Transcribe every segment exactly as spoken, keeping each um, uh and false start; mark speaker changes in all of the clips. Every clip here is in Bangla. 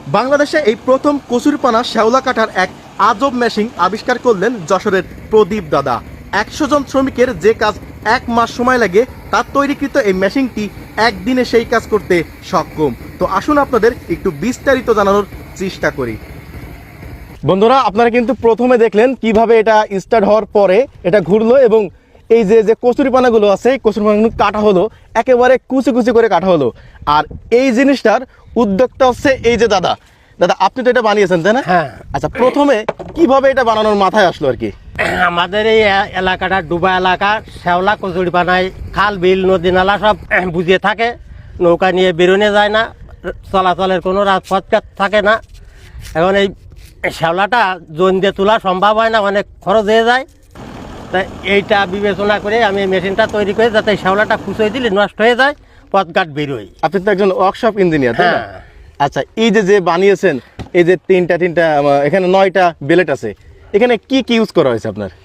Speaker 1: বাংলাদেশে এই প্রথম কচুরিপানা শ্যাওলা কাটার এক আজব মেশিন আবিষ্কার করলেন যশোরের প্রদীপ দাদা। একশো জন শ্রমিকের যে কাজ এক মাস সময় লাগে, তার তৈরিকৃত এই মেশিনটি একদিনে সেই কাজ করতে সক্ষম। তো আসুন আপনাদের একটু বিস্তারিত জানানোর চেষ্টা করি। বন্ধুরা, আপনারা কিন্তু প্রথমে দেখলেন কিভাবে এটা স্টার্ট হওয়ার পরে এটা ঘুরলো এবং এই যে যে কচুরিপানাগুলো আছে এই কচুরিপানাগুলো কাটা হলো, একেবারে কুচি কুচি করে কাটা হলো। আর এই জিনিসটার উদ্যোগটা হচ্ছে এই যে দাদা দাদা আপনি তো এটা বানিয়েছেন, তাই না?
Speaker 2: হ্যাঁ।
Speaker 1: আচ্ছা, প্রথমে কিভাবে এটা বানানোর মাথায় আসলো আর কি?
Speaker 2: আমাদের এই এলাকাটা ডুবা এলাকা, শ্যাওলা কচুরিপানায় খাল বিল নদী নালা সব বুঝিয়ে থাকে, নৌকা নিয়ে বেরোনো যায় না, চলাচলের কোনো রাজপথ থাকে না। এখন এই শ্যাওলাটা জোন দিয়ে তোলা সম্ভব হয় না, অনেক খরচ হয়ে যায়। তাই এইটা বিবেচনা করে আমি এই মেশিনটা তৈরি করে যাতে শ্যাওলাটা খুঁচে দিলে নষ্ট হয়ে যায়, পথঘাট বেরোয়।
Speaker 1: আপনি তো একজন ওয়ার্কশপ ইঞ্জিনিয়ার, তাই না?
Speaker 2: হ্যাঁ।
Speaker 1: আচ্ছা, এই যে যে বানিয়েছেন, এই যে তিনটা তিনটা এখানে নয়টা বেলেট আছে, এখানে কি কি ইউজ করা হয়েছে আপনার?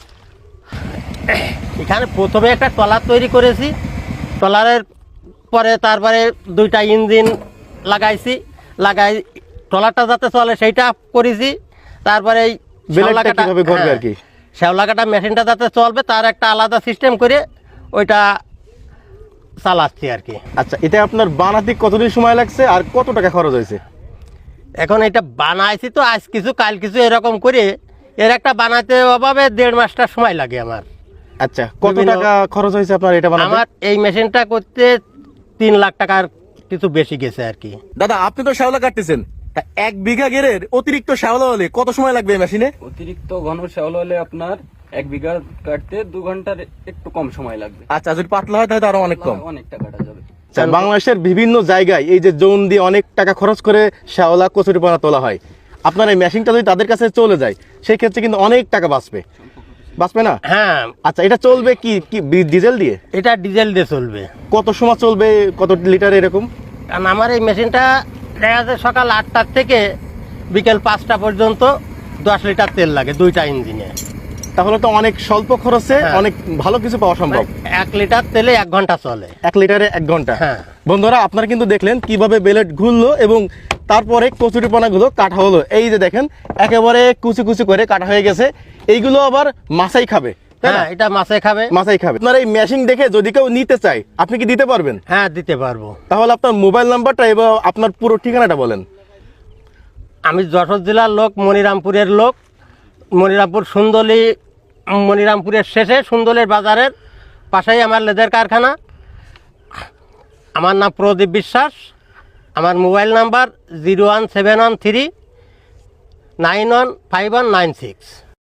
Speaker 2: এখানে প্রথমে একটা ট্রলার তৈরি করেছি, ট্রলারের পরে তারপরে দুইটা ইঞ্জিন লাগাইছি, লাগাই ট্রলারটা যাতে চলে সেইটা করেছি। তারপরে এই
Speaker 1: বেলেটটা কিভাবে ঘুরবে আর কি,
Speaker 2: শ্যাওলা কাটা মেশিনটা যাতে চলবে তার একটা আলাদা সিস্টেম করে ওইটা চালাচ্ছি আর কি।
Speaker 1: আচ্ছা, এটা আপনার বানাতে কতদিন সময় লাগছে আর কত টাকা খরচ হয়েছে?
Speaker 2: এখন এটা বানাইছি তো আজ কিছু কাল কিছু এরকম করে, এর একটা বানাতে অভাবে দেড় মাসটা সময় লাগে আমার।
Speaker 1: আচ্ছা, কত টাকা খরচ হয়েছে আপনার এটা বানাতে?
Speaker 2: আমার এই মেশিনটা করতে তিন লাখ টাকার কিছু বেশি গেছে আর কি।
Speaker 1: দাদা, আপনি তো শ্যাওলা কাটতেছেন, তা এক বিঘা গেরের অতিরিক্ত শ্যাওলা হলে কত সময় লাগবে মেশিনে?
Speaker 3: অতিরিক্ত ঘন শ্যাওলা হলে আপনার এক বিঘা কাটতে দু ঘন্টার একটু কম সময় লাগবে।
Speaker 1: আচ্ছা, যদি পাতলা হয় তাহলে আরো অনেক কম,
Speaker 3: অনেকটা কাটা যাবে।
Speaker 1: আচ্ছা, বাংলাদেশের বিভিন্ন জায়গায় এই যে জোন দিয়ে অনেক টাকা খরচ করে শ্যাওলা কচুরিপানা তোলা হয়, আপনার এই মেশিনটা যদি তাদের কাছে চলে যায় সেই ক্ষেত্রে কিন্তু অনেক টাকা বাঁচবে, বাঁচবে না?
Speaker 2: হ্যাঁ।
Speaker 1: আচ্ছা, এটা চলবে কি কি ডিজেল দিয়ে?
Speaker 2: এটা ডিজেল দিয়ে চলবে।
Speaker 1: কত সময় চলবে, কত লিটার এরকম?
Speaker 2: কারণ আমার এই মেশিনটা দেখা যাচ্ছে সকাল আটটার থেকে বিকেল পাঁচটা পর্যন্ত দশ লিটার তেল লাগে দুইটা ইঞ্জিনে।
Speaker 1: তাহলে তো অনেক স্বল্প খরচে
Speaker 2: হ্যাঁ।
Speaker 1: অনেক ভালো কিছু পাওয়া সম্ভব।
Speaker 2: এক লিটার তেলে এক ঘন্টা চলে।
Speaker 1: এক লিটারে এক ঘন্টা।
Speaker 2: হ্যাঁ।
Speaker 1: বন্ধুরা, আপনারা কিন্তু দেখলেন কিভাবে বেলেট ঘুরলো এবং তারপরে কচুরিপানাগুলো কাটা হলো। এই যে দেখেন একেবারে কুচি কুচি করে কাটা হয়ে গেছে। এইগুলো আবার মাছাই খাবে, তাই না?
Speaker 2: হ্যাঁ, এটা মাছে খাবে।
Speaker 1: মাছাই খাবে। আপনার এই মেশিন দেখে যদি কেউ নিতে চায়, আপনি কি দিতে পারবেন?
Speaker 2: হ্যাঁ, দিতে পারবো।
Speaker 1: তাহলে আপনার মোবাইল নাম্বারটা এবং আপনার পুরো ঠিকানাটা বলেন।
Speaker 2: আমি যশোর জেলার লোক, মনিরামপুরের লোক। মনিরামপুর সুন্দলী, মনিরামপুরের শেষে সুন্দলের বাজারের পাশেই আমার লেদার কারখানা। আমার নাম প্রদীপ বিশ্বাস। আমার mobile number zero one seven one three nine one five one nine six.